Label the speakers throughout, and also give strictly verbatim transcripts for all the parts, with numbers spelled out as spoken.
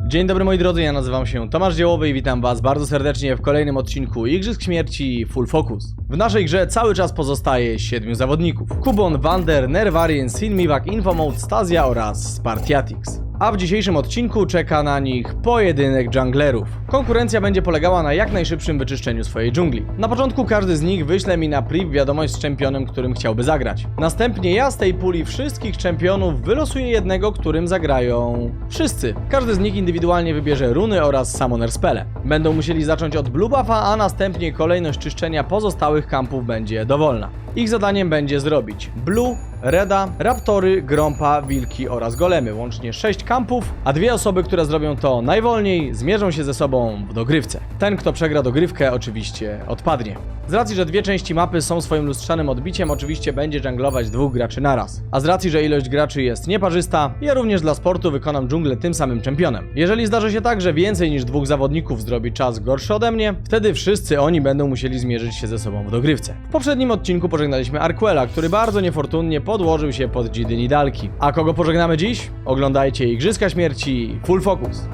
Speaker 1: Dzień dobry moi drodzy, ja nazywam się Tomasz Dziełowy i witam was bardzo serdecznie w kolejnym odcinku Igrzysk Śmierci Full Focus. W naszej grze cały czas pozostaje siedmiu zawodników. Kubon, Wander, Nervarien, Silmiwak, Infomode, Stasia oraz Spartiatix. A w dzisiejszym odcinku czeka na nich pojedynek dżunglerów. Konkurencja będzie polegała na jak najszybszym wyczyszczeniu swojej dżungli. Na początku każdy z nich wyśle mi na priv wiadomość z czempionem, którym chciałby zagrać. Następnie ja z tej puli wszystkich czempionów wylosuję jednego, którym zagrają wszyscy. Każdy z nich indywidualnie wybierze runy oraz summoner spele. Będą musieli zacząć od blue buffa, a następnie kolejność czyszczenia pozostałych kampów będzie dowolna. Ich zadaniem będzie zrobić blue, reda, raptory, grompa, wilki oraz golemy, łącznie sześć kampów, a dwie osoby, które zrobią to najwolniej, zmierzą się ze sobą w dogrywce. Ten, kto przegra dogrywkę, oczywiście odpadnie. Z racji, że dwie części mapy są swoim lustrzanym odbiciem, oczywiście będzie dżunglować dwóch graczy naraz. A z racji, że ilość graczy jest nieparzysta, ja również dla sportu wykonam dżunglę tym samym czempionem. Jeżeli zdarzy się tak, że więcej niż dwóch zawodników zrobi czas gorszy ode mnie, wtedy wszyscy oni będą musieli zmierzyć się ze sobą w dogrywce. W poprzednim odcinku pożegnaliśmy Arquela, który bardzo niefortunnie podłożył się pod Dzidy Nidalki. A kogo pożegnamy dziś? Oglądajcie Igrzyska Śmierci Full Focus.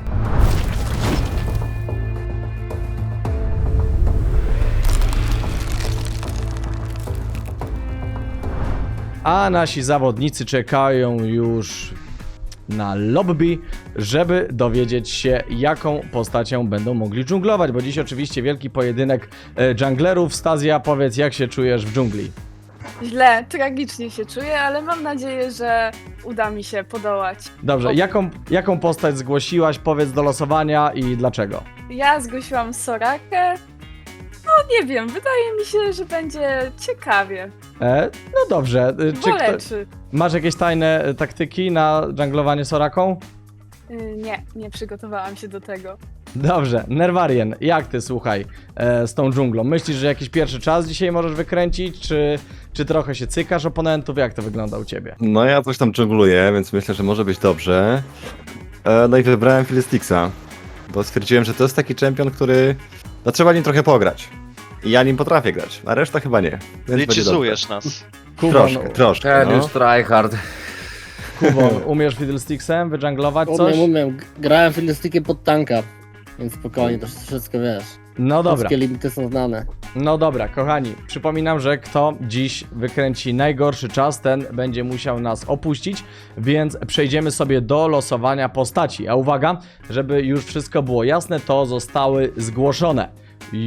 Speaker 1: A nasi zawodnicy czekają już na lobby, żeby dowiedzieć się, jaką postacią będą mogli dżunglować, bo dziś oczywiście wielki pojedynek e, dżunglerów. Stasia, powiedz, jak się czujesz w dżungli?
Speaker 2: Źle, tragicznie się czuję, ale mam nadzieję, że uda mi się podołać.
Speaker 1: Dobrze, jaką, jaką postać zgłosiłaś, powiedz do losowania i dlaczego?
Speaker 2: Ja zgłosiłam Sorakę. No nie wiem, wydaje mi się, że będzie ciekawie.
Speaker 1: E, no dobrze, e, czy kto,
Speaker 2: Boleczy.
Speaker 1: masz jakieś tajne e, taktyki na dżunglowanie Soraką?
Speaker 2: Yy, nie, nie przygotowałam się do tego.
Speaker 1: Dobrze, Nervarien, jak ty, słuchaj, e, z tą dżunglą? Myślisz, że jakiś pierwszy czas dzisiaj możesz wykręcić, czy, czy trochę się cykasz oponentów? Jak to wygląda u ciebie?
Speaker 3: No ja coś tam dżungluję, więc myślę, że może być dobrze. E, no i wybrałem Fiddlesticksa, bo stwierdziłem, że to jest taki czempion, który... No trzeba nim trochę pograć. I ja nim potrafię grać, a reszta chyba nie. Więc będzie
Speaker 4: Liczyzujesz nas.
Speaker 1: Kubon,
Speaker 3: Troszkę, troszkę,
Speaker 5: Ten
Speaker 3: no.
Speaker 5: już tryhard.
Speaker 1: Kubon, umiesz Fiddlesticksem wydżunglować coś?
Speaker 6: Umiem, umiem. Grałem fiddlestickiem pod tanka, więc spokojnie, to wszystko wiesz.
Speaker 1: No dobra,
Speaker 6: Wszystkie limity są znane.
Speaker 1: no dobra, kochani, przypominam, że kto dziś wykręci najgorszy czas, ten będzie musiał nas opuścić, więc przejdziemy sobie do losowania postaci. A uwaga, żeby już wszystko było jasne, to zostały zgłoszone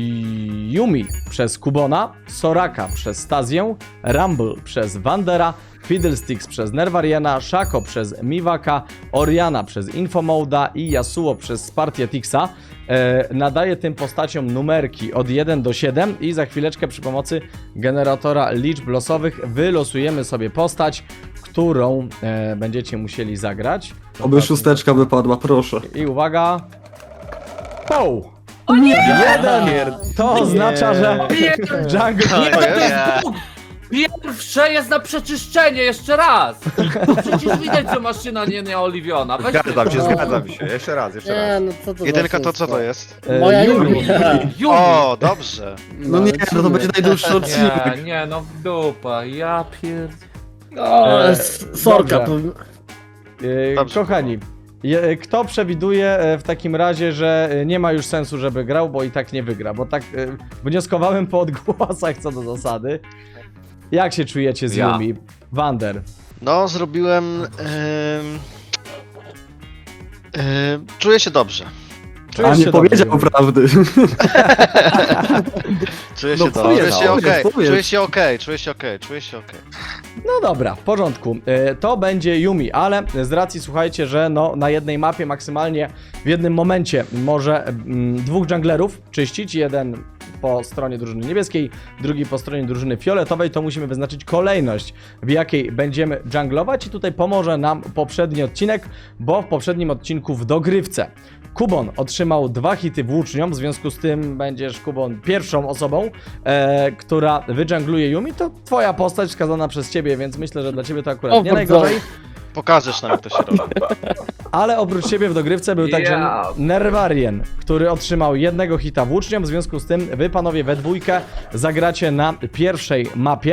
Speaker 1: Yumi przez Kubona, Soraka przez Stasię, Rumble przez Wandera, Fiddlesticks przez Nervariena, Shaco przez Miwaka, Oriana przez Infomoda i Yasuo przez Spartiatixa. E, nadaję tym postaciom numerki od jeden do siedem i za chwileczkę przy pomocy generatora liczb losowych wylosujemy sobie postać, którą e, będziecie musieli zagrać.
Speaker 7: Oby szósteczka wypadła, proszę.
Speaker 1: I uwaga. Poł!
Speaker 2: O nie!
Speaker 1: Jeden! To oznacza, że jungle...
Speaker 4: To jest?
Speaker 5: Pierwsze jest na przeczyszczenie, jeszcze raz! Przecież widać, że maszyna nie nieoliwiona. Weź
Speaker 3: Zgadzam się,
Speaker 5: ty-
Speaker 3: zgadzam się. Jeszcze raz, jeszcze
Speaker 6: Nie,
Speaker 3: raz.
Speaker 6: no co to
Speaker 4: Jedynka
Speaker 6: za
Speaker 4: to co to
Speaker 6: wszystko?
Speaker 4: jest?
Speaker 1: E,
Speaker 6: Moja
Speaker 1: Yumi.
Speaker 6: Yumi.
Speaker 5: Yumi.
Speaker 4: O, dobrze.
Speaker 7: No nie, no to będzie najdłuższy odcinek.
Speaker 5: Nie, nie, no w dupa, ja pierd...
Speaker 6: O,
Speaker 1: E,
Speaker 6: s- Sorka.
Speaker 1: dobrze.
Speaker 6: to-
Speaker 1: E,
Speaker 4: Dobrze.
Speaker 1: Kochani, je, kto przewiduje e, w takim razie, że e, nie ma już sensu, żeby grał, bo i tak nie wygra? Bo tak e, wnioskowałem po odgłosach co do zasady. Jak się czujecie z
Speaker 5: Ja.
Speaker 1: Yumi? Wander.
Speaker 4: No, zrobiłem... Ym, ym, czuję się dobrze.
Speaker 7: A
Speaker 1: Czujesz
Speaker 7: nie
Speaker 1: się dobrze,
Speaker 7: powiedział
Speaker 1: Yumi?
Speaker 7: prawdy.
Speaker 4: Czuję
Speaker 7: No
Speaker 4: się dobrze. Czuję
Speaker 7: powiedz,
Speaker 4: się okej.
Speaker 7: powiedz, powiedz.
Speaker 4: Czuję się okej. Czuję się okej. Czuję się okej.
Speaker 1: No dobra, w porządku. E, To będzie Yumi, ale z racji, słuchajcie, że no, na jednej mapie maksymalnie w jednym momencie może mm, dwóch junglerów czyścić, jeden po stronie drużyny niebieskiej, drugi po stronie drużyny fioletowej, to musimy wyznaczyć kolejność, w jakiej będziemy junglować i tutaj pomoże nam poprzedni odcinek, bo w poprzednim odcinku w dogrywce Kubon otrzymał dwa hity włócznią, w związku z tym będziesz, Kubon, pierwszą osobą, e, która wydżungluje Yumi. To twoja postać wskazana przez ciebie, więc myślę, że dla ciebie to akurat
Speaker 6: O,
Speaker 1: nie
Speaker 6: bardzo.
Speaker 1: najgorzej.
Speaker 4: Pokażesz nam, jak to się robi.
Speaker 1: Ale oprócz ciebie w dogrywce był także
Speaker 5: Ja.
Speaker 1: Nervarien, który otrzymał jednego hita włócznią, w związku z tym wy, panowie, we dwójkę zagracie na pierwszej mapie.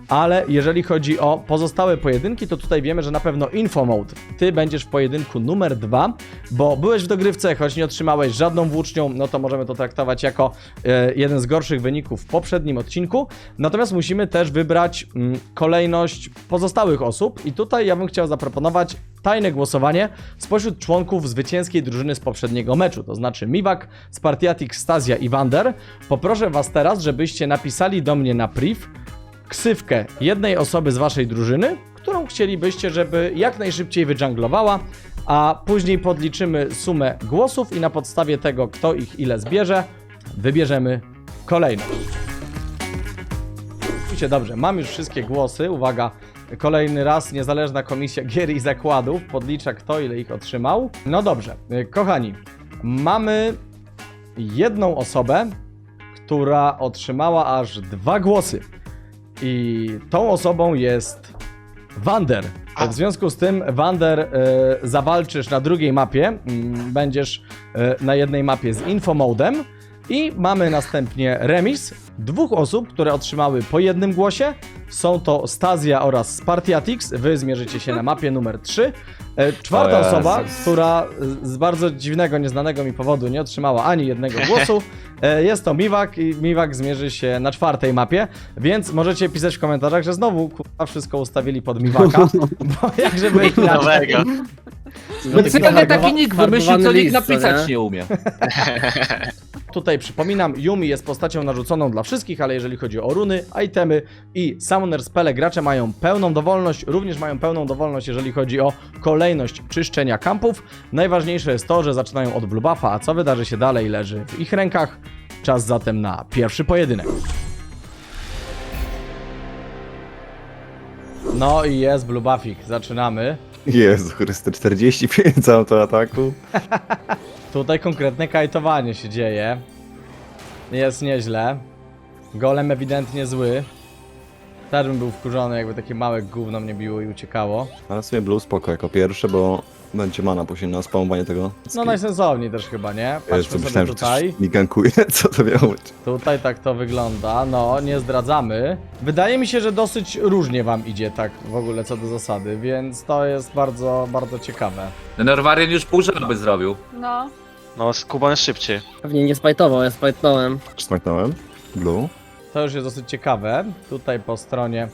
Speaker 1: ale jeżeli chodzi o pozostałe pojedynki, to tutaj wiemy, że na pewno Info Mode. Ty będziesz w pojedynku numer dwa, bo byłeś w dogrywce, choć nie otrzymałeś żadną włócznią, no to możemy to traktować jako e, jeden z gorszych wyników w poprzednim odcinku. Natomiast musimy też wybrać mm, kolejność pozostałych osób i tutaj ja bym chciał zaproponować tajne głosowanie spośród członków zwycięskiej drużyny z poprzedniego meczu, to znaczy Miwak, Spartiatic, Stasia i Wander. Poproszę was teraz, żebyście napisali do mnie na priv ksywkę jednej osoby z waszej drużyny, którą chcielibyście, żeby jak najszybciej wydżanglowała, a później podliczymy sumę głosów i na podstawie tego, kto ich ile zbierze, wybierzemy kolejność. Widzicie, dobrze, mam już wszystkie głosy, uwaga, kolejny raz niezależna komisja gier i zakładów podlicza, kto ile ich otrzymał. No dobrze, kochani, mamy jedną osobę, która otrzymała aż dwa głosy. I tą osobą jest Wander. W związku z tym, Wander, e, zawalczysz na drugiej mapie. M, będziesz e, na jednej mapie z Infomodem. I mamy następnie remis dwóch osób, które otrzymały po jednym głosie. Są to Stasia oraz Spartiatix. Wy zmierzycie się na mapie numer trzy. E, czwarta
Speaker 3: O Jezus.
Speaker 1: osoba, która z bardzo dziwnego, nieznanego mi powodu nie otrzymała ani jednego głosu, e, jest to Miwak i Miwak zmierzy się na czwartej mapie, więc możecie pisać w komentarzach, że znowu kurwa wszystko ustawili pod Miwaka, bo jak żeby inaczej.
Speaker 4: Nowego.
Speaker 5: Specjalnie taki nick wymyślił, co
Speaker 6: Farbowany
Speaker 5: nikt
Speaker 6: list, co
Speaker 5: napisać
Speaker 6: nie?
Speaker 5: nie umie.
Speaker 1: Tutaj przypominam, Yumi jest postacią narzuconą dla wszystkich, ale jeżeli chodzi o runy, itemy i summoner spele, gracze mają pełną dowolność, również mają pełną dowolność, jeżeli chodzi o kolejność czyszczenia kampów. Najważniejsze jest to, że zaczynają od blue buffa, a co wydarzy się dalej leży w ich rękach. Czas zatem na pierwszy pojedynek. No i jest blue buffik, zaczynamy.
Speaker 3: Jezu Chryste, czterdzieści pięć autoataku.
Speaker 1: Tutaj konkretne kajtowanie się dzieje. Jest nieźle. Golem ewidentnie zły. Też bym był wkurzony, jakby takie małe gówno mnie biło i uciekało.
Speaker 3: Ale sobie blue spoko jako pierwsze, bo będzie mana później na spamowanie tego.
Speaker 1: No najsensowniej też chyba, nie?
Speaker 3: Jezu,
Speaker 1: Patrzmy sobie
Speaker 3: myślałem, że
Speaker 1: tutaj.
Speaker 3: coś mi gankuje. Co to miało być?
Speaker 1: Tutaj tak to wygląda. No, nie zdradzamy. Wydaje mi się, że dosyć różnie wam idzie tak w ogóle co do zasady, więc to jest bardzo, bardzo ciekawe.
Speaker 5: Nerwarian już pół żaby zrobił.
Speaker 2: No.
Speaker 4: No, z Kuban jest szybciej.
Speaker 6: Pewnie nie spajtował, ja spajtnąłem.
Speaker 3: Smaknąłem? Blue?
Speaker 1: To już jest dosyć ciekawe. Tutaj po stronie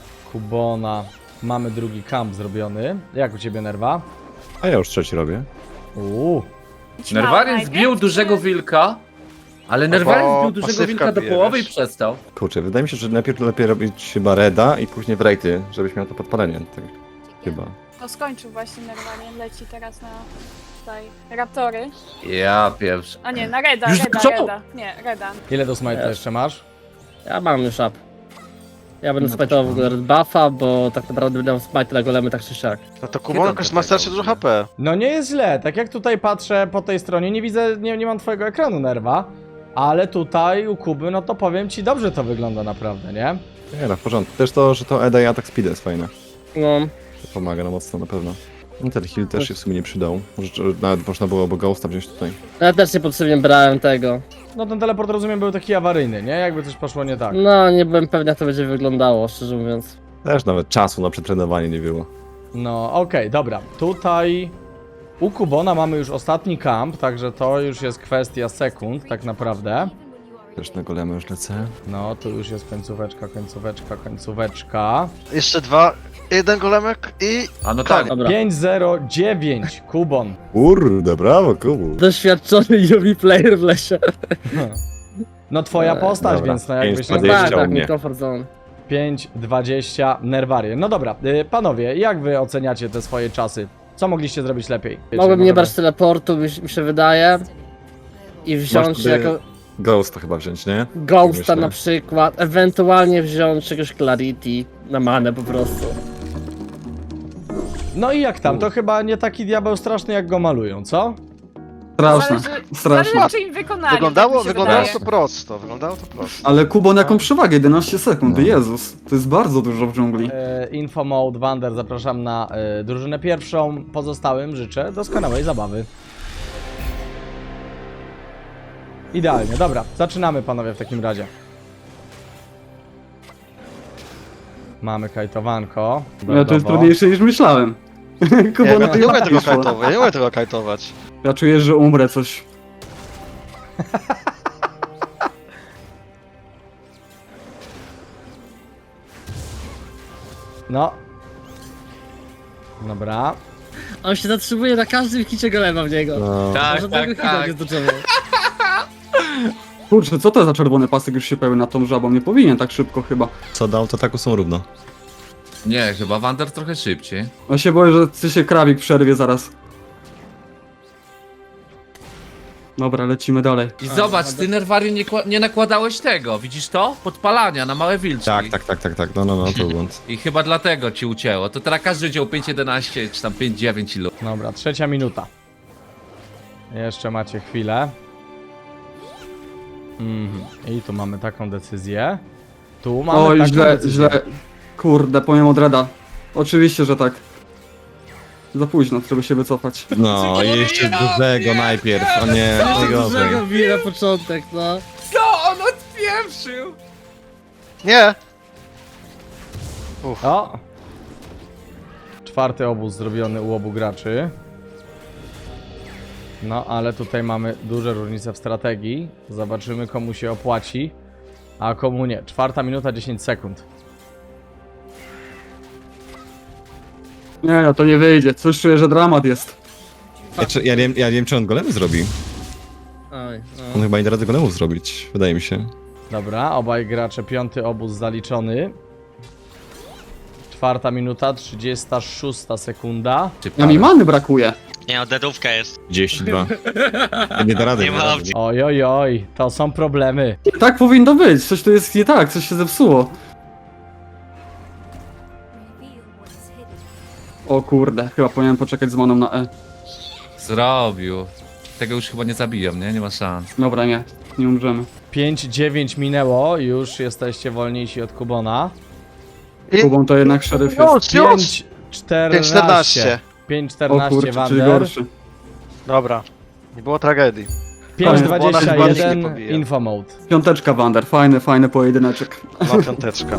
Speaker 1: Kubona mamy drugi kamp zrobiony. Jak u ciebie, Nerwa?
Speaker 3: A ja już trzeci robię.
Speaker 1: Uuu.
Speaker 5: Nerwarian zbił dużego wilka, ale Nerwarian zbił dużego
Speaker 4: pasywka
Speaker 5: wilka do
Speaker 4: bije,
Speaker 5: połowy i
Speaker 4: wiesz.
Speaker 5: przestał.
Speaker 3: Kurczę, wydaje mi się, że najpierw lepiej robić chyba reda i później w rejty, żebyś miał to podpalenie. Tak, chyba.
Speaker 2: No skończył właśnie Nerwarian, leci teraz na tutaj Raptory.
Speaker 5: Ja pierwszy.
Speaker 2: A nie, na Reda,
Speaker 5: Już
Speaker 2: Reda,
Speaker 5: zaczął?
Speaker 2: Reda. Nie, Reda.
Speaker 1: Ile do smite'a
Speaker 6: Jest.
Speaker 1: jeszcze masz?
Speaker 6: Ja mam już up. Ja będę
Speaker 3: No
Speaker 6: spajtował w
Speaker 3: to
Speaker 6: ogóle red buffa, bo tak naprawdę będę miał smite na golemy tak czy siak.
Speaker 4: No to Kuban jakoś ma starsze dużo H P.
Speaker 1: No nie jest źle, tak jak tutaj patrzę po tej stronie, nie widzę, nie, nie mam twojego ekranu, Nerwa, ale tutaj u Kuby, no to powiem ci, dobrze to wygląda naprawdę, nie?
Speaker 3: Nie no, w porządku. Też to, że to Eda i atak speed jest fajne.
Speaker 6: No,
Speaker 3: To pomaga na mocno na pewno. I ten heal też się w sumie nie przydał. Może że nawet można było bo Ghosta wziąć tutaj.
Speaker 6: ja też niepotrzebnie brałem tego.
Speaker 1: No ten teleport, rozumiem, był taki awaryjny, nie? Jakby coś poszło nie tak.
Speaker 6: No, nie byłem pewny jak to będzie wyglądało, szczerze mówiąc.
Speaker 3: Też nawet czasu na przetrenowanie nie było.
Speaker 1: No okej, dobra, tutaj u Kubona mamy już ostatni kamp, także to już jest kwestia sekund tak naprawdę.
Speaker 3: Też na golemy już lecę.
Speaker 1: No, tu już jest końcóweczka, końcóweczka, końcóweczka.
Speaker 4: Jeszcze dwa, jeden golemek i...
Speaker 5: A no tak.
Speaker 6: Dobra.
Speaker 1: pięć zero dziewięć, Kubon.
Speaker 3: Kurde, brawo, Kubu.
Speaker 6: Doświadczony Yumi player w lesie.
Speaker 1: No twoja
Speaker 6: Eee,
Speaker 1: postać,
Speaker 3: dobra.
Speaker 1: więc no jakbyś
Speaker 3: pięć
Speaker 1: nie...
Speaker 3: dwadzieścia
Speaker 6: tak,
Speaker 3: u
Speaker 6: tak,
Speaker 3: mnie.
Speaker 6: mi comfort zone.
Speaker 1: pięć dwadzieścia Nerwarian. No dobra, y, panowie, jak wy oceniacie te swoje czasy? Co mogliście zrobić lepiej? Wiecie,
Speaker 6: Mogłem nie
Speaker 1: możemy-
Speaker 6: brać teleportu, mi, mi się wydaje. I wziąć
Speaker 3: wtedy
Speaker 6: jako
Speaker 3: Ghosta chyba wziąć, nie?
Speaker 6: Ghosta
Speaker 3: Myślę.
Speaker 6: na przykład, ewentualnie wziąć czegoś Clarity na manę po prostu.
Speaker 1: No i jak tam? To chyba nie taki diabeł straszny, jak go malują, co?
Speaker 7: Straszne,
Speaker 2: Zależy,
Speaker 7: straszne.
Speaker 2: zależy czy im wykonali.
Speaker 4: Wyglądało,
Speaker 2: tak mi się
Speaker 4: wyglądało
Speaker 2: wydaje.
Speaker 4: to prosto, wyglądało to prosto.
Speaker 7: Ale Kubon jaką przewagę, jedenaście sekund,
Speaker 3: No.
Speaker 7: Jezus. To jest bardzo dużo w dżungli.
Speaker 1: E, Info Mode Wander, zapraszam na e, drużynę pierwszą. Pozostałym życzę doskonałej zabawy. Idealnie, dobra, zaczynamy panowie w takim razie. Mamy kajtowanko.
Speaker 7: No, to jest
Speaker 1: Dodatkowo.
Speaker 7: trudniejsze niż myślałem.
Speaker 4: Nie,
Speaker 7: Kuba,
Speaker 4: ja
Speaker 7: na
Speaker 4: nie
Speaker 7: tym
Speaker 4: umiem tego
Speaker 7: piszło.
Speaker 4: kajtować, ja nie umiem tego kajtować.
Speaker 7: Ja czuję, że umrę coś.
Speaker 1: No. Dobra.
Speaker 6: On się zatrzymuje na każdym hicie golema w niego.
Speaker 3: No.
Speaker 5: Tak,
Speaker 6: Żadnego
Speaker 5: tak,
Speaker 6: hita
Speaker 5: tak.
Speaker 6: nie zdoczował.
Speaker 7: Kurczę, co to za czerwony pasek już się pełni na tą żabą? Nie powinien tak szybko chyba.
Speaker 3: Co dał, to tak są równo.
Speaker 5: Nie, chyba Wander trochę szybciej.
Speaker 7: Ja się boję, że ty się krawik przerwie zaraz. Dobra, lecimy dalej.
Speaker 5: I zobacz, ty Nerwarium nie, kła- nie nakładałeś tego, widzisz to? Podpalania na małe wilczki.
Speaker 3: Tak, tak, tak, tak, tak. No, no, no, to był błąd.
Speaker 5: I chyba dlatego ci ucięło. To teraz każdy wziął pięć jedenaście czy tam pięć dziewięć ilu.
Speaker 1: Dobra, trzecia minuta. Jeszcze macie chwilę. Mhm. I tu mamy taką decyzję. Tu mamy
Speaker 7: Oj,
Speaker 1: taką
Speaker 7: źle,
Speaker 1: decyzję.
Speaker 7: źle. Kurde, powiem od Reda. Oczywiście, że tak. Za późno, żeby się wycofać.
Speaker 3: No, i jeszcze dużego najpierw, o nie, najgorzej.
Speaker 6: Dużego bije na początek, no.
Speaker 5: Co on odpieprzył?
Speaker 4: Nie!
Speaker 1: O! Czwarty obóz zrobiony u obu graczy. No, ale tutaj mamy duże różnice w strategii. Zobaczymy, komu się opłaci, a komu nie. Czwarta minuta, dziesięć sekund.
Speaker 7: Nie, no to nie wyjdzie. Coś czuję, że dramat jest.
Speaker 3: Ja, czy, ja, nie, wiem- ja nie wiem, czy on golemy zrobi.
Speaker 6: Oj,
Speaker 3: On
Speaker 6: no.
Speaker 3: chyba nie da rady golemów zrobić, wydaje mi się.
Speaker 1: Dobra, obaj gracze, piąty obóz zaliczony. Czwarta minuta, trzydziesta szósta sekunda.
Speaker 5: Czy
Speaker 7: Ja mi many brakuje.
Speaker 8: Nie no, dedówka jest.
Speaker 3: trzydzieści dwa. Nie da rady.
Speaker 8: Nie ma
Speaker 3: da rady.
Speaker 8: opcji.
Speaker 1: Oj, oj, oj, to są problemy.
Speaker 7: Tak powinno być. Coś tu jest nie tak, coś się zepsuło. O kurde, chyba powinienem poczekać z maną na E.
Speaker 5: Zrobił. Tego już chyba nie zabiją, nie? Nie ma szans.
Speaker 7: Dobra, nie. Nie umrzemy.
Speaker 1: pięć dziewięć minęło, już jesteście wolniejsi od Kubona.
Speaker 4: I...
Speaker 7: Kubą to jednak szeryf jest.
Speaker 4: Już, już!
Speaker 1: pięć czternaście.
Speaker 4: czternaście.
Speaker 1: pięć
Speaker 7: O
Speaker 1: czternaście
Speaker 7: kurczę, czyli
Speaker 1: Wander.
Speaker 7: gorszy.
Speaker 4: Dobra. Nie było tragedii.
Speaker 1: pięć
Speaker 4: Bo ona
Speaker 1: dwadzieścia
Speaker 4: chyba nie
Speaker 1: jeden
Speaker 4: pobija.
Speaker 1: info mode.
Speaker 7: Piąteczka Wander, fajny, fajny pojedyneczek.
Speaker 4: Ma piąteczka.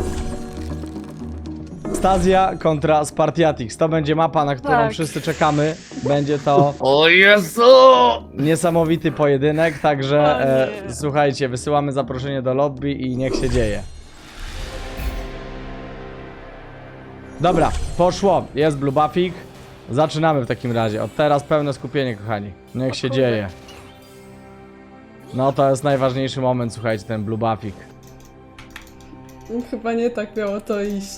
Speaker 1: Stazja kontra Spartiatix. To będzie mapa, na którą
Speaker 2: Tak.
Speaker 1: wszyscy czekamy. Będzie to
Speaker 5: O Jezu!
Speaker 1: niesamowity pojedynek, także
Speaker 2: O
Speaker 1: e,
Speaker 2: nie.
Speaker 1: słuchajcie, wysyłamy zaproszenie do lobby i niech się dzieje. Dobra, poszło. Jest Blue Buffik. Zaczynamy w takim razie. Od teraz pełne skupienie, kochani. Niech się dzieje. No to jest najważniejszy moment, słuchajcie, ten Blue Buffik.
Speaker 9: Chyba nie tak miało to iść.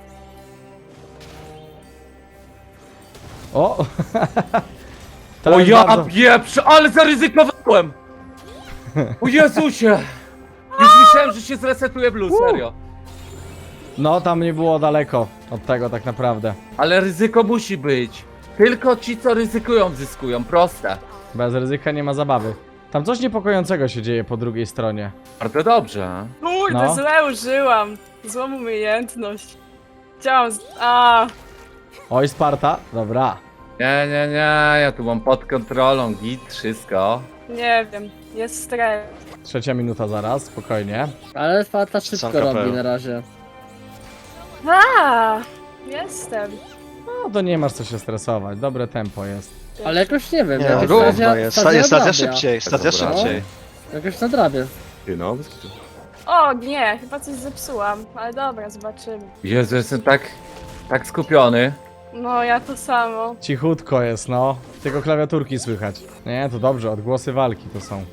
Speaker 1: O! To
Speaker 5: O
Speaker 1: jest
Speaker 5: ja
Speaker 1: bardzo-
Speaker 5: pieprzę, ale zaryzykowałem! O Jezusie! Już myślałem, że się zresetuje blue, serio.
Speaker 1: No, tam nie było daleko od tego tak naprawdę.
Speaker 5: Ale ryzyko musi być. Tylko ci, co ryzykują, zyskują. Proste.
Speaker 1: Bez ryzyka nie ma zabawy. Tam coś niepokojącego się dzieje po drugiej stronie.
Speaker 5: Bardzo dobrze.
Speaker 2: Kurde,
Speaker 1: No.
Speaker 2: źle użyłam. Złą umiejętność. Chciałam z... A,
Speaker 1: Oj, Sparta. Dobra.
Speaker 5: Nie, nie, nie, ja tu mam pod kontrolą, git, wszystko.
Speaker 2: nie wiem. Jest stres.
Speaker 1: Trzecia minuta zaraz, spokojnie.
Speaker 6: Ale Sparta szybko
Speaker 4: Są kapelą.
Speaker 6: robi na razie.
Speaker 2: A, jestem.
Speaker 1: No to nie masz co się stresować. Dobre tempo jest.
Speaker 6: Ale jakoś nie wiem,
Speaker 4: Nie,
Speaker 6: jakoś
Speaker 4: równo
Speaker 6: stacja,
Speaker 4: jest.
Speaker 6: stacja
Speaker 4: Stacja, stacja
Speaker 6: nadrabia.
Speaker 4: szybciej, stacja
Speaker 3: Dobra.
Speaker 4: szybciej.
Speaker 6: Jakoś nadrabia.
Speaker 3: Ty no,
Speaker 2: O, nie, chyba coś zepsułam. Ale dobra, zobaczymy.
Speaker 5: Jezu, jestem tak, tak skupiony.
Speaker 2: No, ja to samo.
Speaker 1: Cichutko jest, no. Tylko klawiaturki słychać. Nie, to dobrze, odgłosy walki to są.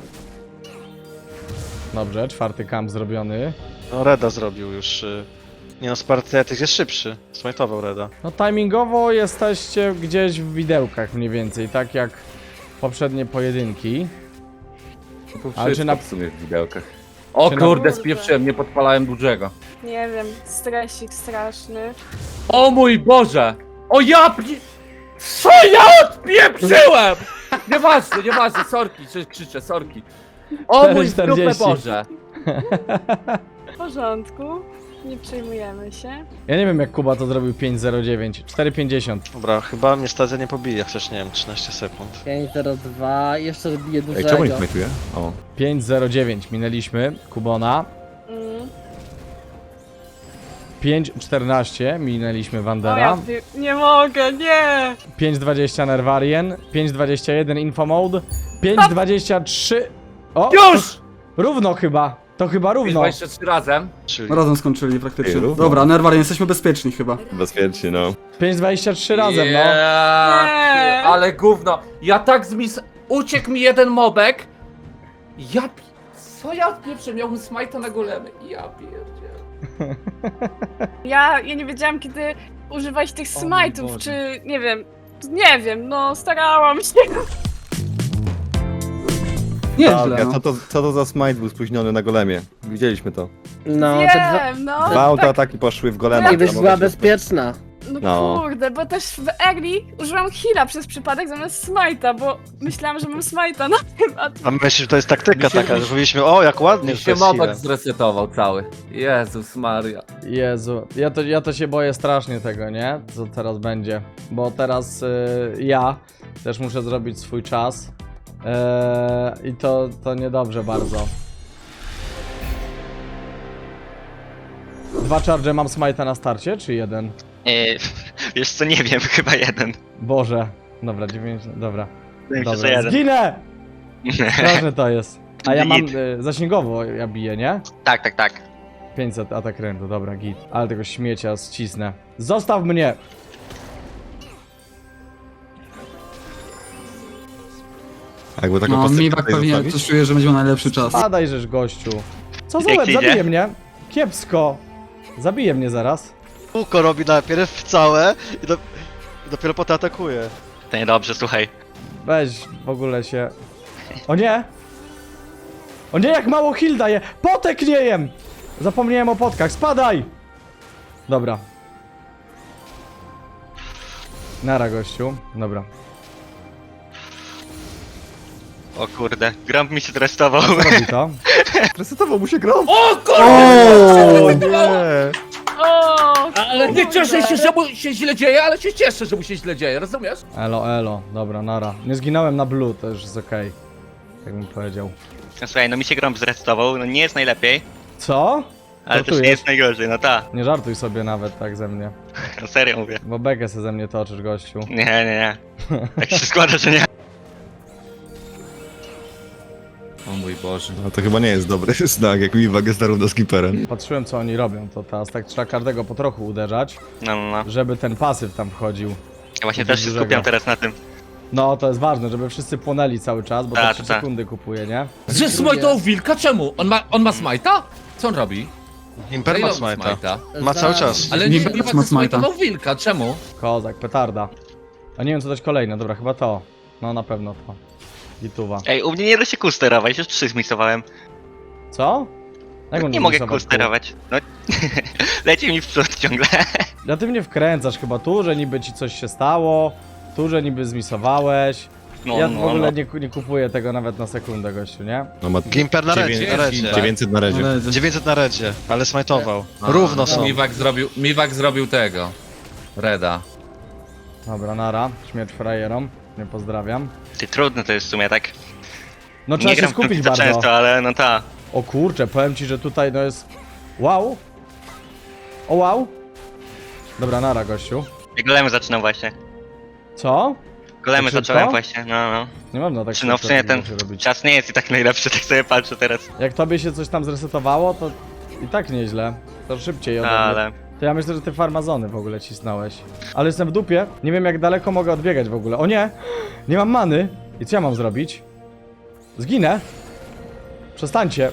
Speaker 1: Dobrze, czwarty kamp zrobiony.
Speaker 4: No Reda zrobił już. y, Nie no, Spartiatyk jest szybszy. Smajtował Reda.
Speaker 1: No timingowo jesteście gdzieś w widełkach mniej więcej, tak jak poprzednie pojedynki.
Speaker 5: No to
Speaker 1: Ale
Speaker 5: wszystko
Speaker 1: czy na-
Speaker 5: w sumie w widełkach. O
Speaker 1: Czy na-
Speaker 5: kurde, spieprzyłem, nie podpalałem dużego.
Speaker 2: Nie wiem, stresik straszny.
Speaker 5: O mój Boże! O ja pie... Co ja odpieprzyłem?! Nieważne, nieważne, sorki, że krzyczę, sorki. O mój
Speaker 1: cztery
Speaker 5: dupę
Speaker 1: czterdzieści.
Speaker 5: Boże!
Speaker 2: W porządku. Nie przejmujemy się.
Speaker 1: Ja nie wiem jak Kuba to zrobił pięć zero dziewięć. cztery pięćdziesiąt.
Speaker 4: Dobra, chyba mnie stacja nie pobije, chociaż nie wiem, trzynaście sekund.
Speaker 6: pięć zero dwa, jeszcze bije
Speaker 3: Ej, czemu nie
Speaker 6: dużego.
Speaker 3: smajtuje? O.
Speaker 1: pięć zero dziewięć minęliśmy Kubona.
Speaker 2: Mm.
Speaker 1: pięć czternaście minęliśmy
Speaker 2: O,
Speaker 1: Wandera.
Speaker 2: ja pie- nie mogę, nie!
Speaker 1: pięć dwadzieścia Nervarien, pięć dwadzieścia jeden Info Mode, pięć dwadzieścia trzy... O!
Speaker 5: Już!
Speaker 1: Równo chyba, to chyba równo.
Speaker 5: dwadzieścia trzy razem.
Speaker 4: Czyli
Speaker 7: Razem skończyli praktycznie.
Speaker 3: Ej, równo.
Speaker 7: Dobra, Nerwarian, jesteśmy bezpieczni chyba.
Speaker 3: Bezpiecznie, no.
Speaker 1: pięć dwadzieścia trzy razem, no.
Speaker 5: Yeah,
Speaker 2: Nie.
Speaker 5: ale gówno. Ja tak zmis... Uciekł mi jeden mobek. Ja... pi- Co ja pierwszy miałbym smajta na golemy? Ja pierdzielę.
Speaker 2: Ja, ja nie wiedziałam, kiedy używać tych
Speaker 5: O mój
Speaker 2: smite'ów,
Speaker 5: Boże.
Speaker 2: czy... nie wiem. Nie wiem, no starałam się.
Speaker 7: Nieźle,
Speaker 3: Tak,
Speaker 7: no.
Speaker 3: co, to, co to za smite był spóźniony na golemie? Widzieliśmy to.
Speaker 6: No, te dwa...
Speaker 2: Wiem, no.
Speaker 3: Dwa autoataki poszły w golema.
Speaker 6: I byś
Speaker 3: to
Speaker 6: była
Speaker 3: mogę się-
Speaker 6: bezpieczna.
Speaker 2: No,
Speaker 3: No.
Speaker 2: kurde, bo też w early użyłam heala przez przypadek zamiast smite'a, bo myślałam, że mam smite'a na tym, a tu...
Speaker 4: A my myślimy, że to jest taktyka
Speaker 5: Mi się-
Speaker 4: taka, że powiedzieliśmy, o jak ładnie,
Speaker 5: Mi
Speaker 4: że to
Speaker 5: się
Speaker 4: jest
Speaker 5: mobek
Speaker 4: healer.
Speaker 5: zresetował cały. Jezus Maria.
Speaker 1: Jezu, ja to, ja to się boję strasznie tego, nie? Co teraz będzie. Bo teraz y, ja też muszę zrobić swój czas. Eee, I to, to niedobrze bardzo. Dwa charge mam smite'a na starcie, czy jeden?
Speaker 8: Eee, wiesz co, nie wiem, chyba jeden.
Speaker 1: Boże. Dobra, dziewięć, dobra.
Speaker 8: Wydaje mi się, że
Speaker 1: Dobra,
Speaker 8: jeden.
Speaker 1: zginę! Straszne to jest. A ja mam
Speaker 8: Git.
Speaker 1: y, zasięgowo, ja biję, nie?
Speaker 8: Tak, tak, tak.
Speaker 1: pięćset atak rędu, dobra, git. Ale tego śmiecia ścisnę. Zostaw mnie!
Speaker 3: Jakby taką
Speaker 7: No,
Speaker 3: postać
Speaker 7: Miwak
Speaker 3: tutaj
Speaker 7: pewnie
Speaker 3: zostawić?
Speaker 7: coś czuje, że będzie miał najlepszy czas.
Speaker 1: Padaj, żeż gościu. Co za
Speaker 8: Jak
Speaker 1: łeb,
Speaker 8: ci idzie?
Speaker 1: zabije mnie. Kiepsko. Zabije mnie zaraz.
Speaker 4: Kółko robi najpierw całe i, do... i dopiero potem atakuje.
Speaker 8: To niedobrze, słuchaj.
Speaker 1: Weź w ogóle się... O nie! O nie, jak mało heal daje! Potek nie jem! Zapomniałem o potkach, spadaj! Dobra. Nara, gościu. Dobra.
Speaker 8: O kurde, Grump mi się zrestował.
Speaker 1: Co robi to?
Speaker 3: Resetował mu się grą!
Speaker 5: O kurde!
Speaker 3: O nie!
Speaker 2: O,
Speaker 6: Ale
Speaker 5: Nie cieszę się, że mu się źle dzieje, ale się cieszę, że mu się źle dzieje, rozumiesz?
Speaker 1: Elo, elo. Dobra, nara. Nie zginąłem na blue, to już jest okej. Tak bym powiedział.
Speaker 8: No, słuchaj, no mi się Grump zrestował, no nie jest najlepiej,
Speaker 1: Co?
Speaker 8: ale też
Speaker 1: Żartujesz?
Speaker 8: nie jest najgorzej, no ta.
Speaker 1: Nie żartuj sobie nawet tak ze mnie.
Speaker 8: No serio mówię.
Speaker 1: Bo bekę se ze mnie toczysz, gościu.
Speaker 8: Nie, nie, nie. Tak się składa, że nie.
Speaker 5: O mój Boże.
Speaker 3: No to chyba nie jest dobry znak, jak Miwak jest zarówno skipperem.
Speaker 1: Patrzyłem, co oni robią, to teraz tak trzeba każdego po trochu uderzać,
Speaker 8: No, no, no.
Speaker 1: żeby ten pasyw tam wchodził.
Speaker 8: Ja właśnie
Speaker 1: To
Speaker 8: też się
Speaker 1: dużego.
Speaker 8: skupiam teraz na tym.
Speaker 1: No, to jest ważne, żeby wszyscy płonęli cały czas, bo to
Speaker 8: Tak,
Speaker 1: trzy
Speaker 8: tak.
Speaker 1: sekundy kupuje, nie?
Speaker 5: Że smajtał wilka? Czemu? On ma, on ma smajta? Co on robi?
Speaker 4: Imper ma
Speaker 5: Ile on
Speaker 4: smite'a. Ma cały czas.
Speaker 5: Ale
Speaker 7: Nie
Speaker 5: nie,
Speaker 7: będę
Speaker 5: nie
Speaker 7: ma
Speaker 5: ma
Speaker 7: smajta.
Speaker 5: smajtował wilka, czemu?
Speaker 1: Kozak, petarda. A nie wiem, co dać kolejne, dobra, chyba to. No, na pewno to. Gituwa.
Speaker 8: Ej, u mnie nie da się kół sterować, już trzy zmisowałem.
Speaker 1: Co? Jak on
Speaker 8: Nie mogę
Speaker 1: zmisować
Speaker 8: kół sterować. No, leci mi w przód ciągle.
Speaker 1: Ja ty mnie wkręcasz chyba tu, że niby ci coś się stało, tu, że niby zmisowałeś.
Speaker 8: No,
Speaker 1: Ja
Speaker 8: no,
Speaker 1: w ogóle
Speaker 8: no.
Speaker 1: nie, ku- nie kupuję tego nawet na sekundę, gościu, nie?
Speaker 3: No ma
Speaker 4: Gimper na redzie, na
Speaker 3: dziewięćset
Speaker 4: redzie.
Speaker 3: dziewięćset na redzie.
Speaker 7: Ale-
Speaker 4: dziewięćset na redzie, ale smajtował. Równo są.
Speaker 5: Miwak zrobił, Miwak zrobił tego. Reda.
Speaker 1: Dobra, nara. Śmierć frajerom. Nie pozdrawiam.
Speaker 8: Ty, trudno to jest w sumie, tak?
Speaker 1: No trzeba
Speaker 8: Nie
Speaker 1: się
Speaker 8: gram w
Speaker 1: skupić
Speaker 8: Conflicta
Speaker 1: bardzo.
Speaker 8: często, ale no ta.
Speaker 1: O kurczę, powiem ci, że tutaj no jest... Wow! O wow! Dobra, nara, gościu.
Speaker 8: Ja golemy zaczynam właśnie.
Speaker 1: Co?
Speaker 8: Golemy
Speaker 1: Tak szybko?
Speaker 8: zacząłem właśnie, no no.
Speaker 1: Nie można tak
Speaker 8: Czy no w
Speaker 1: szybko
Speaker 8: sumie
Speaker 1: takich
Speaker 8: ten
Speaker 1: rzeczy robić.
Speaker 8: czas nie jest i tak najlepszy, tak sobie patrzę teraz.
Speaker 1: Jak tobie się coś tam zresetowało, to i tak nieźle. To szybciej ode mnie.
Speaker 8: Ale...
Speaker 1: To ja myślę, że ty farmazony w ogóle cisnąłeś. Ale jestem w dupie. Nie wiem, jak daleko mogę odbiegać w ogóle. O nie! Nie mam many. I co ja mam zrobić? Zginę. Przestańcie.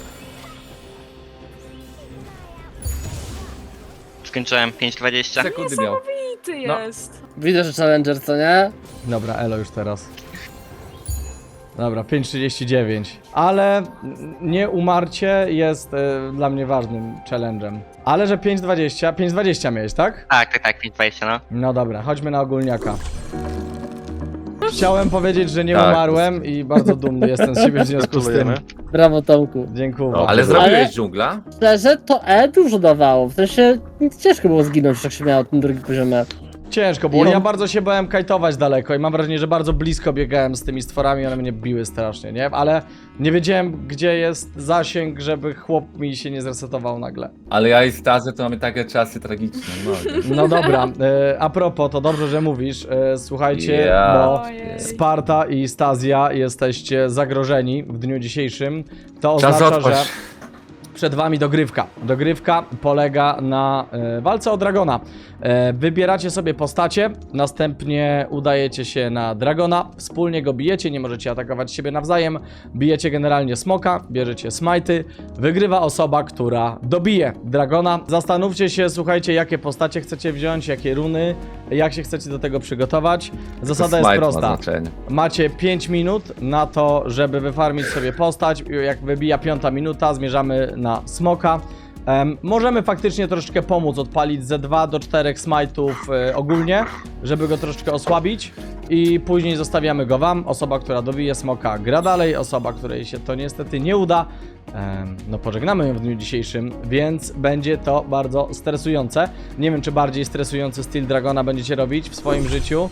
Speaker 8: Skończyłem pięć dwadzieścia.
Speaker 5: Sekundy miał.
Speaker 2: i ty
Speaker 5: No.
Speaker 2: jest.
Speaker 6: Widzę, że Challenger, co nie?
Speaker 1: Dobra, elo już teraz. Dobra, pięć trzydzieści dziewięć. Ale n- nie umarcie jest e, dla mnie ważnym challenge'em. Ale że pięć dwadzieścia, pięć dwadzieścia miałeś, tak?
Speaker 8: Tak, tak, tak, pięć dwadzieścia, no.
Speaker 1: No dobra, chodźmy na ogólniaka. Chciałem powiedzieć, że nie
Speaker 5: Tak.
Speaker 1: umarłem i bardzo dumny jestem z siebie w związku z tym.
Speaker 4: Gratulujemy.
Speaker 6: Brawo, Tomku.
Speaker 1: Dziękuję.
Speaker 5: Ale
Speaker 3: Ale-
Speaker 5: zrobiłeś dżungla?
Speaker 6: Szczerze, to E dużo dawało. W sensie ciężko było zginąć, jak się miało ten drugi poziomie.
Speaker 1: Ciężko było.
Speaker 7: No.
Speaker 1: Ja bardzo się bałem kajtować daleko i mam wrażenie, że bardzo blisko biegałem z tymi stworami, one mnie biły strasznie, nie? Ale nie wiedziałem, gdzie jest zasięg, żeby chłop mi się nie zresetował nagle.
Speaker 5: Ale ja i Starzy to mamy takie czasy tragiczne, no.
Speaker 1: No dobra, e, a propos, to dobrze, że mówisz. E, słuchajcie,
Speaker 5: Ja.
Speaker 1: bo
Speaker 2: Ojej.
Speaker 1: Sparta i Stazja jesteście zagrożeni w dniu dzisiejszym. To
Speaker 5: Czas
Speaker 1: oznacza,
Speaker 5: odpaść.
Speaker 1: że przed wami dogrywka. Dogrywka polega na e, walce o Dragona. E, wybieracie sobie postacie, następnie udajecie się na Dragona, wspólnie go bijecie, nie możecie atakować siebie nawzajem, bijecie generalnie smoka, bierzecie smajty, wygrywa osoba, która dobije Dragona. Zastanówcie się, słuchajcie, jakie postacie chcecie wziąć, jakie runy, jak się chcecie do tego przygotować. Zasada jest
Speaker 5: Smite ma
Speaker 1: prosta.
Speaker 5: znaczenie.
Speaker 1: Macie pięć minut na to, żeby wyfarmić sobie postać. Jak wybija piąta minuta, zmierzamy na smoka. Em, możemy faktycznie troszeczkę pomóc, odpalić ze dwa do czterech smajtów e, ogólnie, żeby go troszeczkę osłabić i później zostawiamy go wam. Osoba, która dobije smoka, gra dalej. Osoba, której się to niestety nie uda, em, no pożegnamy ją w dniu dzisiejszym, więc będzie to bardzo stresujące. Nie wiem, czy bardziej stresujący styl Dragona będziecie robić w swoim życiu.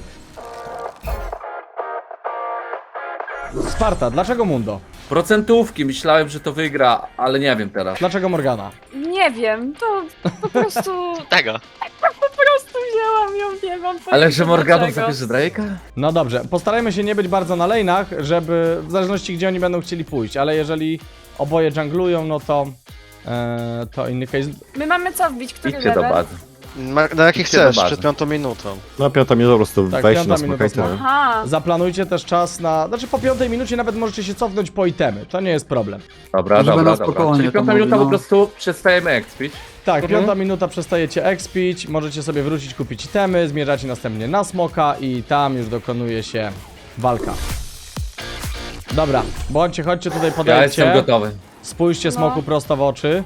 Speaker 1: Sparta, dlaczego Mundo?
Speaker 5: Procentówki, myślałem, że to wygra, ale nie wiem teraz.
Speaker 1: Dlaczego Morgana?
Speaker 2: Nie wiem, to po prostu,
Speaker 8: Tego.
Speaker 2: po prostu wzięłam ją, nie mam pojęcia
Speaker 5: Ale że Morganą
Speaker 2: dlaczego.
Speaker 5: zabierze Drake'a?
Speaker 1: No dobrze, postarajmy się nie być bardzo na lane'ach, żeby w zależności gdzie oni będą chcieli pójść, ale jeżeli oboje junglują, no to e, to inny case.
Speaker 2: My mamy co wbić, który
Speaker 5: Idźcie do
Speaker 2: level?
Speaker 5: bazy.
Speaker 4: Ma, na jaki
Speaker 5: Idźcie do
Speaker 4: chcesz,
Speaker 5: bazy.
Speaker 4: przed piątą minutą.
Speaker 3: No piąta minuta po prostu
Speaker 1: Tak,
Speaker 3: wejść
Speaker 1: piąta
Speaker 3: na smoka i
Speaker 1: minuta
Speaker 3: tyle.
Speaker 2: Aha,
Speaker 1: Zaplanujcie też czas na, znaczy po piątej minucie nawet możecie się cofnąć po itemy, to nie jest problem.
Speaker 5: Dobra,
Speaker 7: Żeby
Speaker 5: dobra,
Speaker 7: na
Speaker 5: dobra.
Speaker 7: spokojnie
Speaker 5: Czyli
Speaker 7: to
Speaker 5: piąta
Speaker 7: mówi,
Speaker 5: minuta
Speaker 7: no.
Speaker 5: po prostu przestajemy expić.
Speaker 1: Tak,
Speaker 5: Mhm.
Speaker 1: piąta minuta przestajecie expić, możecie sobie wrócić, kupić itemy, zmierzacie następnie na smoka i tam już dokonuje się walka. Dobra, bądźcie, chodźcie tutaj,
Speaker 5: Ja
Speaker 1: podejdźcie,
Speaker 5: jestem gotowy.
Speaker 1: spójrzcie
Speaker 2: No.
Speaker 1: smoku prosto w oczy.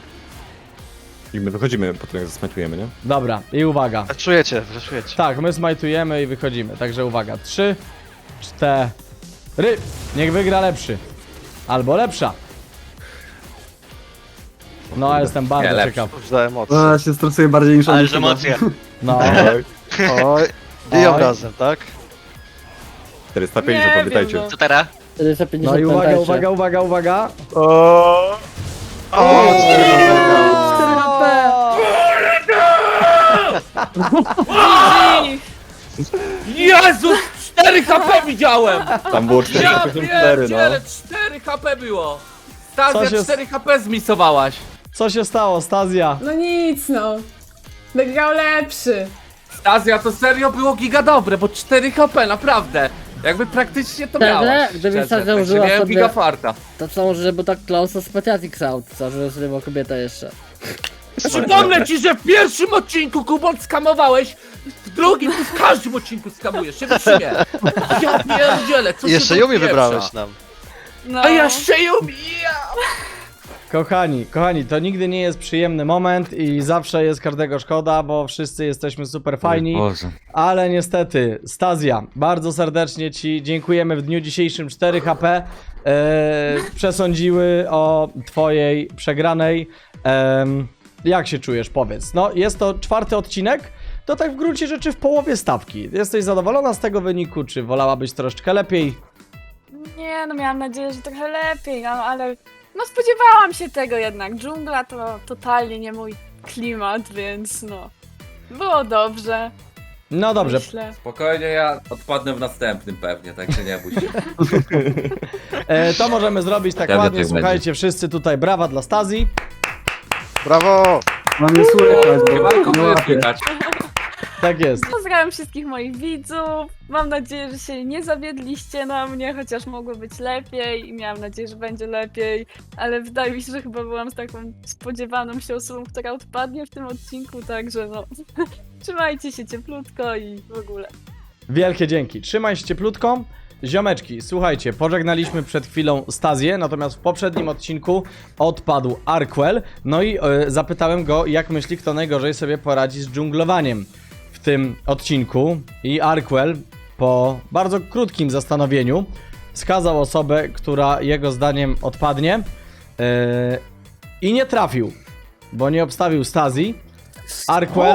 Speaker 3: I my wychodzimy po tym jak zasmatujemy, nie?
Speaker 1: Dobra, i uwaga.
Speaker 4: Czujecie, czujecie.
Speaker 1: Tak, my smajtujemy i wychodzimy, także uwaga, trzy, cztery, niech wygra lepszy, albo lepsza. No, ja jestem bardzo
Speaker 5: Nie, lepszy.
Speaker 1: ciekaw.
Speaker 4: Już za emocje.
Speaker 7: Ja się stresuję bardziej niż
Speaker 8: Ale
Speaker 7: oni
Speaker 8: że
Speaker 7: chyba.
Speaker 8: emocje.
Speaker 1: No,
Speaker 4: Oj, biją
Speaker 1: Oj.
Speaker 4: razem, tak?
Speaker 3: czterysta pięćdziesiąt,
Speaker 2: Nie
Speaker 3: pamiętajcie.
Speaker 2: wiem, no.
Speaker 8: Co teraz?
Speaker 6: czterysta pięćdziesiąt,
Speaker 1: no i uwaga,
Speaker 6: pamiętajcie.
Speaker 1: uwaga, uwaga, uwaga.
Speaker 3: O!
Speaker 4: O,
Speaker 2: G G.
Speaker 5: Jezus! cztery H P widziałem!
Speaker 3: Tam było
Speaker 5: Ja
Speaker 3: czterysta cztery, no.
Speaker 5: pierdzielę, cztery H P było!
Speaker 1: Co
Speaker 5: Stazja,
Speaker 1: się-
Speaker 5: cztery H P zmisowałaś!
Speaker 1: Co się stało, Stazja?
Speaker 9: No nic no. Wygrał lepszy.
Speaker 5: Stazja, to serio było giga dobre, bo cztery H P, naprawdę! Jakby praktycznie to
Speaker 6: Szczerze?
Speaker 5: miałaś.
Speaker 6: Gdybyś
Speaker 5: szczerze,
Speaker 6: tak
Speaker 5: także
Speaker 6: założyła
Speaker 5: miałem
Speaker 6: sobie-
Speaker 5: giga farta.
Speaker 6: To co może, bo tak close spatiatic crowd, co, że sobie była kobieta jeszcze.
Speaker 5: Przypomnę ci, że w pierwszym odcinku Kubon skamowałeś, w drugim ty w każdym odcinku skamujesz, się wytrzymie. Ja pierdzielę, co
Speaker 4: I
Speaker 5: się
Speaker 4: jeszcze
Speaker 5: tu
Speaker 4: Yumi
Speaker 5: pieprza?
Speaker 4: wybrałeś nam.
Speaker 2: No.
Speaker 5: A jeszcze Yumi, ja!
Speaker 1: Kochani, kochani, to nigdy nie jest przyjemny moment i zawsze jest każdego szkoda, bo wszyscy jesteśmy super fajni.
Speaker 5: Boże.
Speaker 1: Ale niestety, Stazja, bardzo serdecznie Ci dziękujemy w dniu dzisiejszym. cztery H P e, przesądziły o Twojej przegranej. Em, jak się czujesz? Powiedz. No, jest to czwarty odcinek, to tak w gruncie rzeczy w połowie stawki. Jesteś zadowolona z tego wyniku, czy wolałabyś troszeczkę lepiej?
Speaker 2: Nie, no miałam nadzieję, że trochę lepiej, no ale no spodziewałam się tego jednak. Dżungla to totalnie nie mój klimat, więc no było dobrze.
Speaker 1: No dobrze,
Speaker 2: Myślę.
Speaker 5: Spokojnie, ja odpadnę w następnym pewnie, także nie bój się.
Speaker 1: e, to możemy zrobić tak
Speaker 5: Ja
Speaker 1: ładnie.
Speaker 5: wiem, jak
Speaker 1: Słuchajcie, wszyscy tutaj brawa dla Stazji.
Speaker 4: Brawo!
Speaker 7: Mam nie słychać,
Speaker 5: Chyba
Speaker 7: bo nie
Speaker 5: kogo
Speaker 7: łapię.
Speaker 5: słychać.
Speaker 1: Tak jest.
Speaker 2: Pozdrawiam wszystkich moich widzów. Mam nadzieję, że się nie zawiedliście na mnie, chociaż mogło być lepiej i miałam nadzieję, że będzie lepiej, ale wydaje mi się, że chyba byłam z taką spodziewaną się osobą, która odpadnie w tym odcinku, także no trzymajcie się cieplutko i w ogóle.
Speaker 1: Wielkie dzięki. Trzymaj się cieplutko. Ziomeczki, słuchajcie, pożegnaliśmy przed chwilą Stazję, natomiast w poprzednim odcinku odpadł Arkwell. No i e, zapytałem go, jak myśli, kto najgorzej sobie poradzi z dżunglowaniem w tym odcinku. I Arkwell po bardzo krótkim zastanowieniu wskazał osobę, która jego zdaniem odpadnie e, i nie trafił, bo nie obstawił Stazji. Arkwell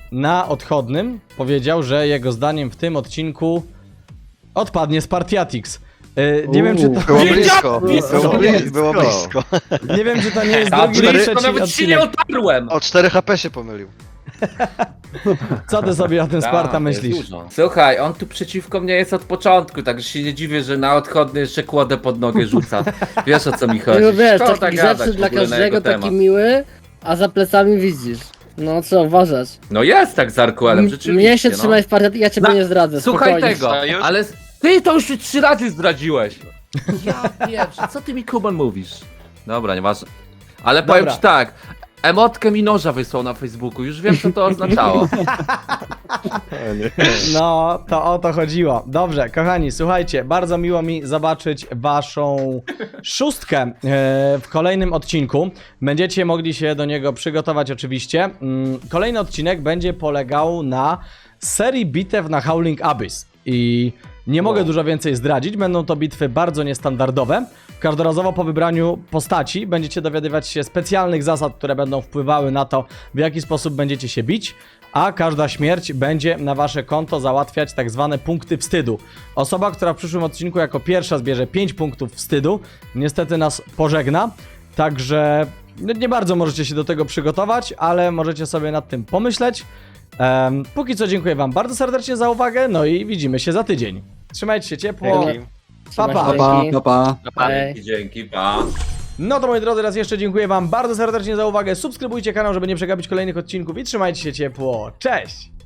Speaker 1: na odchodnym powiedział, że jego zdaniem w tym odcinku odpadnie Spartiatix. Yy, nie wiem, czy to...
Speaker 4: Było
Speaker 5: Wiedziałem!
Speaker 4: blisko,
Speaker 5: Blisko.
Speaker 4: było, bli- było blisko.
Speaker 1: Nie wiem, czy to nie jest
Speaker 5: A
Speaker 1: drugi czy
Speaker 5: blisko
Speaker 1: trzeci
Speaker 5: nawet się nie
Speaker 1: odcinek.
Speaker 5: otarłem!
Speaker 4: O cztery H P się pomylił.
Speaker 1: Co ty sobie o tym Sparta
Speaker 5: Tak,
Speaker 1: myślisz?
Speaker 5: jest dużo. Słuchaj, on tu przeciwko mnie jest od początku, także się nie dziwię, że na odchodny jeszcze kłodę pod nogę rzuca. Wiesz, o co mi chodzi.
Speaker 6: No wiesz,
Speaker 5: Szkoda
Speaker 6: taki
Speaker 5: gadać
Speaker 6: grzeczny
Speaker 5: w
Speaker 6: dla
Speaker 5: ogóle na
Speaker 6: każdego,
Speaker 5: jego
Speaker 6: taki
Speaker 5: temat.
Speaker 6: miły, a za plecami widzisz. No co uważać?
Speaker 5: No jest tak z Arkuelem,
Speaker 6: M-
Speaker 5: rzeczywiście.
Speaker 6: Mnie się
Speaker 5: no.
Speaker 6: trzymaj w partii, ja ciebie
Speaker 5: Na-
Speaker 6: nie zdradzę,
Speaker 5: Słuchaj
Speaker 6: spokojnie.
Speaker 5: tego,
Speaker 8: To już?
Speaker 5: ale ty to już trzy razy zdradziłeś. Ja wiem, co ty mi Kuban mówisz? Dobra, nieważne. Ale powiem
Speaker 1: Dobra.
Speaker 5: ci tak, emotkę mi noża wysłał na Facebooku, już wiem co to oznaczało.
Speaker 3: O nie.
Speaker 1: No, to o to chodziło. Dobrze, kochani, słuchajcie, bardzo miło mi zobaczyć waszą szóstkę e, w kolejnym odcinku. Będziecie mogli się do niego przygotować oczywiście. Mm, Kolejny odcinek będzie polegał na serii bitew na Howling Abyss. I nie mogę
Speaker 5: Wow.
Speaker 1: dużo więcej zdradzić, będą to bitwy bardzo niestandardowe. Każdorazowo po wybraniu postaci będziecie dowiadywać się specjalnych zasad, które będą wpływały na to, w jaki sposób będziecie się bić, a każda śmierć będzie na wasze konto załatwiać tak zwane punkty wstydu. Osoba, która w przyszłym odcinku jako pierwsza zbierze pięć punktów wstydu, niestety nas pożegna, także no, nie bardzo możecie się do tego przygotować, ale możecie sobie nad tym pomyśleć. Em, póki co dziękuję wam bardzo serdecznie za uwagę, no i widzimy się za tydzień. Trzymajcie się ciepło.
Speaker 6: Dzięki.
Speaker 1: Pa, pa.
Speaker 6: Trzymaj się,
Speaker 7: Pa,
Speaker 6: dzięki.
Speaker 7: pa, pa.
Speaker 8: Pa.
Speaker 6: Hej.
Speaker 5: Dzięki, dzięki, pa.
Speaker 1: No to moi drodzy, raz jeszcze dziękuję wam bardzo serdecznie za uwagę. Subskrybujcie kanał, żeby nie przegapić kolejnych odcinków i trzymajcie się ciepło. Cześć!